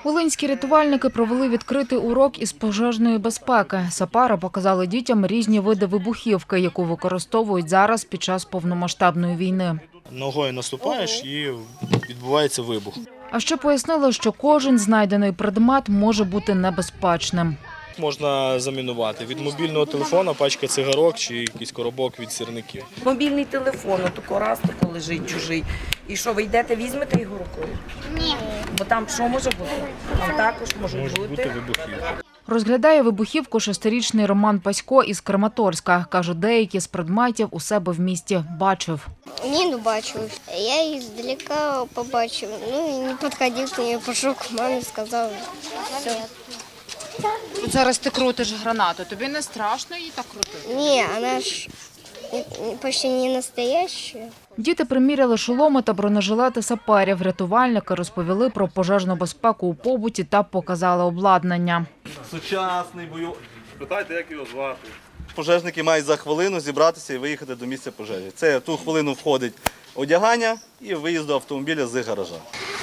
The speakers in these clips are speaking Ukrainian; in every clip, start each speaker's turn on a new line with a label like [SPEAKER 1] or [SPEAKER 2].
[SPEAKER 1] Волинські рятувальники провели відкритий урок із пожежної безпеки. Сапери показали дітям різні види вибухівки, яку використовують зараз під час повномасштабної війни.
[SPEAKER 2] Ногою наступаєш і відбувається вибух.
[SPEAKER 1] А ще пояснили, що кожен знайдений предмет може бути небезпечним.
[SPEAKER 2] Можна замінувати від мобільного телефона, пачка цигарок чи якийсь коробок від сірників.
[SPEAKER 3] Мобільний телефон, отако раз тако лежить чужий. І що, ви йдете, візьмете його рукою?
[SPEAKER 4] Ні.
[SPEAKER 3] Бо там що може бути? Там також можуть бути.
[SPEAKER 2] Вибухівки.
[SPEAKER 1] Розглядає вибухівку 6-річний Роман Пасько із Краматорська. Каже, деякі з предметів у себе в місті бачив.
[SPEAKER 4] Ні, не бачив. Я її здалека побачив. Ну і не підходив до неї, пішов к мамі, сказав, все.
[SPEAKER 5] Зараз ти крутиш гранату. Тобі не страшно її так крутити?
[SPEAKER 4] Ні, вона ж почти не настояща.
[SPEAKER 1] Діти приміряли шоломи та бронежилети саперів. Рятувальники розповіли про пожежну безпеку у побуті та показали обладнання.
[SPEAKER 6] Сучасний бою.
[SPEAKER 7] Питайте, як його звати.
[SPEAKER 6] Пожежники мають за хвилину зібратися і виїхати до місця пожежі. Це в ту хвилину входить одягання і виїзд до автомобіля з гаража.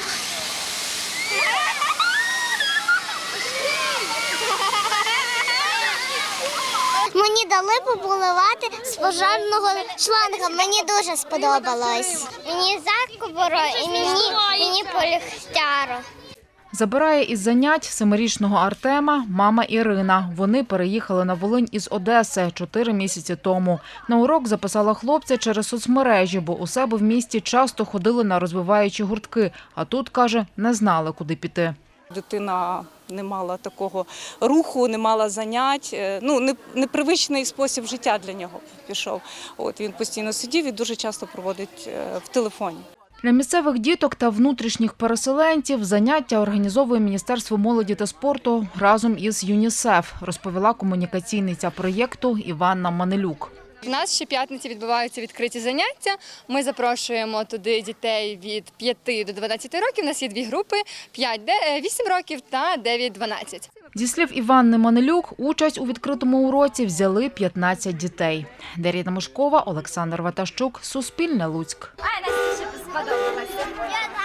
[SPEAKER 4] Мені дали побуливати з пожежного шланга. Мені дуже сподобалось. Мені закоборо і мені полегтяро.
[SPEAKER 1] Забирає із занять 7-річного Артема мама Ірина. Вони переїхали на Волинь із Одеси 4 місяці тому. На урок записала хлопця через соцмережі, бо у себе в місті часто ходили на розвиваючі гуртки. А тут, каже, не знали, куди піти.
[SPEAKER 8] Дитина не мала такого руху, не мала занять. Непривичний спосіб життя для нього пішов. Він постійно сидів і дуже часто проводить в телефоні.
[SPEAKER 1] Для місцевих діток та внутрішніх переселенців заняття організовує Міністерство молоді та спорту разом із ЮНІСЕФ, розповіла комунікаційниця проєкту Іванна Манелюк.
[SPEAKER 9] У нас щоп'ятниці відбуваються відкриті заняття. Ми запрошуємо туди дітей від 5 до 12 років. У нас є 2 групи – 8 років та 9-12.
[SPEAKER 1] Зі слів Іванни Манелюк, участь у відкритому уроці взяли 15 дітей. Дар'я Мишкова, Олександр Ватащук, Суспільне, Луцьк.
[SPEAKER 4] Ай, Настя, сподобалося.